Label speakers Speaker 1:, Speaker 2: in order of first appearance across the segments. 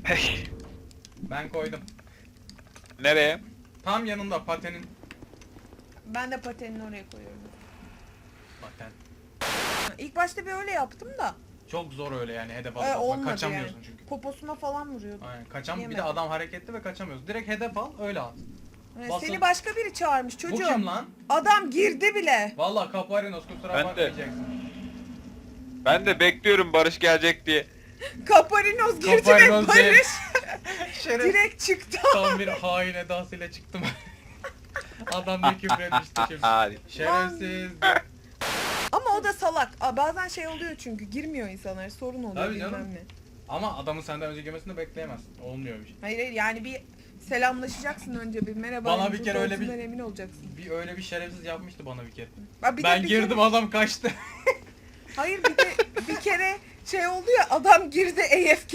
Speaker 1: Ben koydum.
Speaker 2: Nereye?
Speaker 1: Tam yanında patenin.
Speaker 3: Ben de patenini oraya koyuyorum.
Speaker 1: Paten.
Speaker 3: İlk başta bir öyle yaptım da.
Speaker 1: Çok zor öyle yani hedef alıp
Speaker 3: Olmadı
Speaker 1: kaçamıyorsun
Speaker 3: yani.
Speaker 1: çünkü.
Speaker 3: Poposuna falan vuruyordu.
Speaker 1: Aynen bir de
Speaker 3: Yemedim.
Speaker 1: adam hareketli ve kaçamıyorsun. Direkt hedef al öyle at. Basın.
Speaker 3: Seni başka biri çağırmış
Speaker 1: Bu
Speaker 3: çocuğum.
Speaker 1: kim lan?
Speaker 3: Adam girdi bile.
Speaker 1: Vallahi Kaparinos kusura
Speaker 2: Ben de.
Speaker 1: bakmayacaksın.
Speaker 2: Ben de bekliyorum Barış gelecek diye.
Speaker 3: Kaparinos girdi
Speaker 1: Kaparinos
Speaker 3: ve Barış
Speaker 1: Şeref.
Speaker 3: direkt çıktı.
Speaker 1: Tam bir hain edasıyla çıktım. Adam ne küfür etmişti şimdi.
Speaker 2: Hadi.
Speaker 1: Şerefsiz.
Speaker 3: Ama o da salak. Bazen şey oluyor çünkü girmiyor insanlar, sorun oluyor
Speaker 1: Tabii
Speaker 3: bilmem
Speaker 1: canım.
Speaker 3: ne.
Speaker 1: Ama adamın senden önce girmesini bekleyemezsin. Olmuyor bir şey.
Speaker 3: Hayır hayır, yani bir selamlaşacaksın önce, bir merhaba.
Speaker 1: Bana bir kere öyle
Speaker 3: olduğundan emin olacaksın.
Speaker 1: Öyle bir şerefsiz yapmıştı bana bir kere.
Speaker 3: Bir de
Speaker 1: Ben
Speaker 3: bir
Speaker 1: girdim
Speaker 3: kere-
Speaker 1: adam kaçtı.
Speaker 3: Hayır, bir de bir kere şey oldu ya, adam girdi AFK.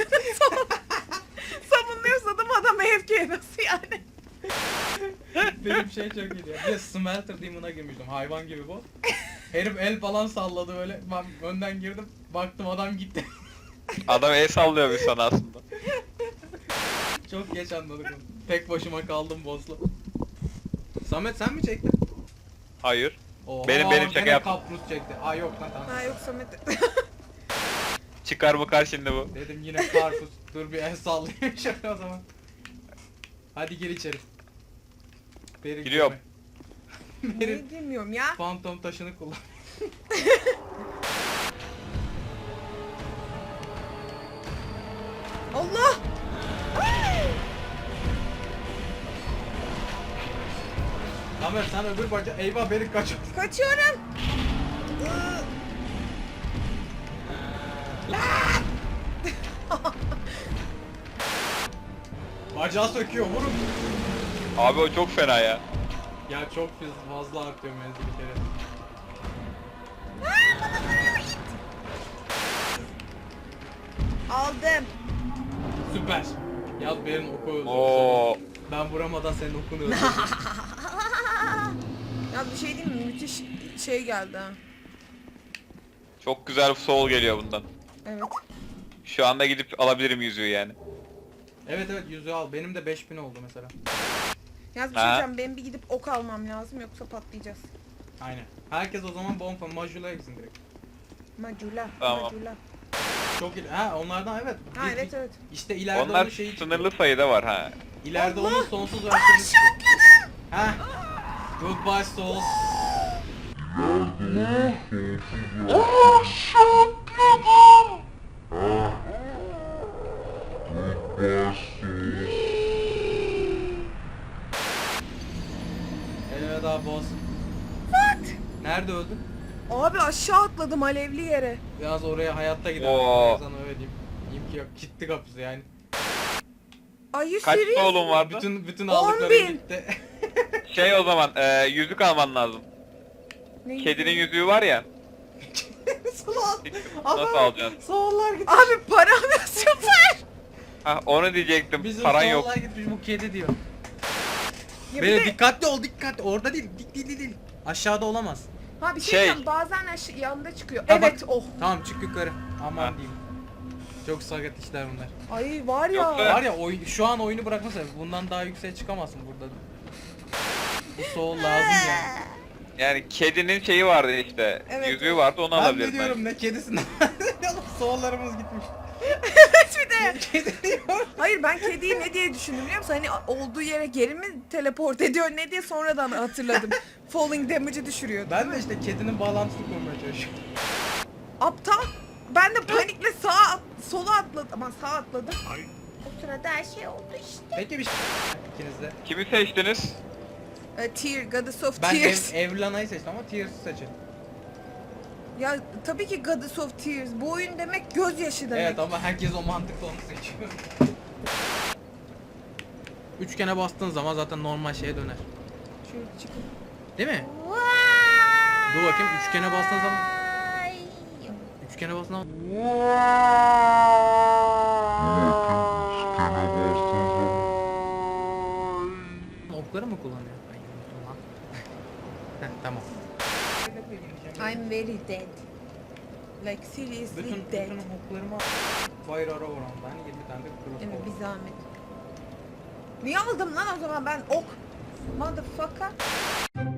Speaker 3: Savunuyorsa adam AFK, nasıl yani?
Speaker 1: Benim şey çok iyiydi ya. Bir de Smelter Demon'a girmiştim. Hayvan gibi bu. Herif el falan salladı böyle. Ben önden girdim. Baktım adam gitti.
Speaker 2: Adam el sallıyor bir sana aslında.
Speaker 1: Çok geç anladık onu. Tek başıma kaldım boss'la. Samet sen mi çektin?
Speaker 2: Hayır.
Speaker 1: Oha,
Speaker 2: Benim şaka
Speaker 1: gene
Speaker 2: yaptım.
Speaker 1: Kaprus çekti. Aa yok lan tamam.
Speaker 3: Ha yok Samet.
Speaker 2: Çıkar bakar şimdi bu.
Speaker 1: Dedim yine karpuz. Dur bir el sallayayım şöyle o zaman. Hadi gir içeri. Beri
Speaker 2: Giriyorum.
Speaker 1: girme. Beri
Speaker 3: Ne bilmiyorum ya.
Speaker 1: fantom taşını kullan.
Speaker 3: Allah!
Speaker 1: Tamer sen öbür baca eyvah beni kaç.
Speaker 3: Kaçıyorum.
Speaker 1: Bacağı söküyor vurun.
Speaker 2: Abi o çok fena ya.
Speaker 1: Ya çok fazla artıyor menzil bir kere.
Speaker 3: Aldım.
Speaker 1: Süper. Yaz Berin oku öldü.
Speaker 2: Oo.
Speaker 1: Ben vuramadan senin okunu öldürdüm.
Speaker 3: Ya bir şey diyeyim mi? Müthiş şey geldi ha.
Speaker 2: Çok güzel bir soul geliyor bundan.
Speaker 3: Evet.
Speaker 2: Şu anda gidip alabilirim yüzüğü yani.
Speaker 1: Evet yüzüğü al. Benim de 5000 oldu mesela.
Speaker 3: Yalnız bir şey
Speaker 2: Ha?
Speaker 3: diyeceğim, benim bir gidip ok almam lazım yoksa patlayacağız.
Speaker 1: Aynen. Herkes o zaman bomba majula gitsin direkt.
Speaker 3: Macula,
Speaker 2: Tamam.
Speaker 3: macula.
Speaker 1: Çok iyi. Ha onlardan evet.
Speaker 3: Ha evet evet.
Speaker 1: İşte ileride
Speaker 2: Onlar
Speaker 1: onun şeyi çıkıyor.
Speaker 2: sınırlı sayıda var ha.
Speaker 1: İleride
Speaker 3: Allah!
Speaker 1: onun sonsuz versiyonu çıkıyor. Ha. Goodbye souls. Elveda boss.
Speaker 3: What?
Speaker 1: Nerede öldün?
Speaker 3: Abi aşağı atladım alevli yere.
Speaker 1: Biraz oraya hayatta gider.
Speaker 2: Oo.
Speaker 1: Sana öyle diyeyim. İmki yok. Gitti kapısı yani.
Speaker 3: Ay you
Speaker 2: Kaç
Speaker 3: serious?
Speaker 2: soul'un vardı?
Speaker 1: Bütün
Speaker 3: 10.000.
Speaker 1: aldıklarım gitti.
Speaker 2: Şey o zaman yüzük alman lazım.
Speaker 3: Ne
Speaker 2: Kedinin yüzüğü var ya. Nasıl alacaksın?
Speaker 1: Soğullar gitti.
Speaker 3: Abi param yok, süper.
Speaker 2: Ha onu diyecektim.
Speaker 1: Bizim
Speaker 2: Paran yok.
Speaker 1: soğullar gitmiş bu kedi diyor.
Speaker 3: Ya bir
Speaker 1: Böyle
Speaker 3: de-
Speaker 1: dikkatli ol dikkatli. Orada değil. Değil. Aşağıda olamaz.
Speaker 3: Ha bir şey
Speaker 2: Şey-
Speaker 3: diyeceğim, bazen yanında çıkıyor.
Speaker 1: Ha,
Speaker 3: Evet
Speaker 1: bak.
Speaker 3: oh.
Speaker 1: Tamam çık yukarı. Aman
Speaker 2: Ha.
Speaker 1: diyeyim. Çok sakat işler bunlar.
Speaker 3: Ay var ya.
Speaker 2: Yoksa-
Speaker 1: Var ya şu an oyunu bırakmasa bundan daha yükseğe çıkamazsın burada. Bu soğul lazım yani.
Speaker 2: Yani kedinin şeyi vardı işte.
Speaker 3: Evet.
Speaker 2: Yüzüğü vardı onu
Speaker 1: Ben de
Speaker 2: alabilirim
Speaker 1: diyorum ne kedisinden. Soğullarımız gitmiş.
Speaker 3: Bir de.
Speaker 1: Kedi diyor.
Speaker 3: Hayır, ben kediyi ne diye düşündüm biliyor musun? Hani olduğu yere geri mi teleport ediyor ne diye sonradan hatırladım. Falling damage'ı düşürüyor.
Speaker 1: Ben de işte kedinin bağlantısını kurmaya çalışıyorum.
Speaker 3: Aptal. Ben de panikle sola atladım. Ama sağ atladım. O sırada her şey oldu işte.
Speaker 1: Peki bir şey ikiniz de.
Speaker 2: Kimi seçtiniz?
Speaker 3: Tear, Goddess of
Speaker 1: Ben
Speaker 3: Tears.
Speaker 1: Evlana'yı seçtim ama Tears'ı seçin.
Speaker 3: Ya tabii ki Goddess of Tears. Bu oyun demek gözyaşı demek.
Speaker 1: Evet ama herkes o mantıkla onu seçiyor. Üçgene bastığın zaman zaten normal şeye döner.
Speaker 3: Şöyle çıkın.
Speaker 1: Değil mi? Dur bakayım üçgene bastığın zaman. Üçgene bastığın zaman. Okları mı kullanıyor? Ay unuttum lan. Heh, tamam.
Speaker 3: I'm very dead. Like seriously
Speaker 1: Bütün
Speaker 3: dead.
Speaker 1: oklarımı Fire arrow var onda. Hani 20 tane de crossbow.
Speaker 3: Evet bir zahmet. Niye aldım lan o zaman ben ok? Motherfucker.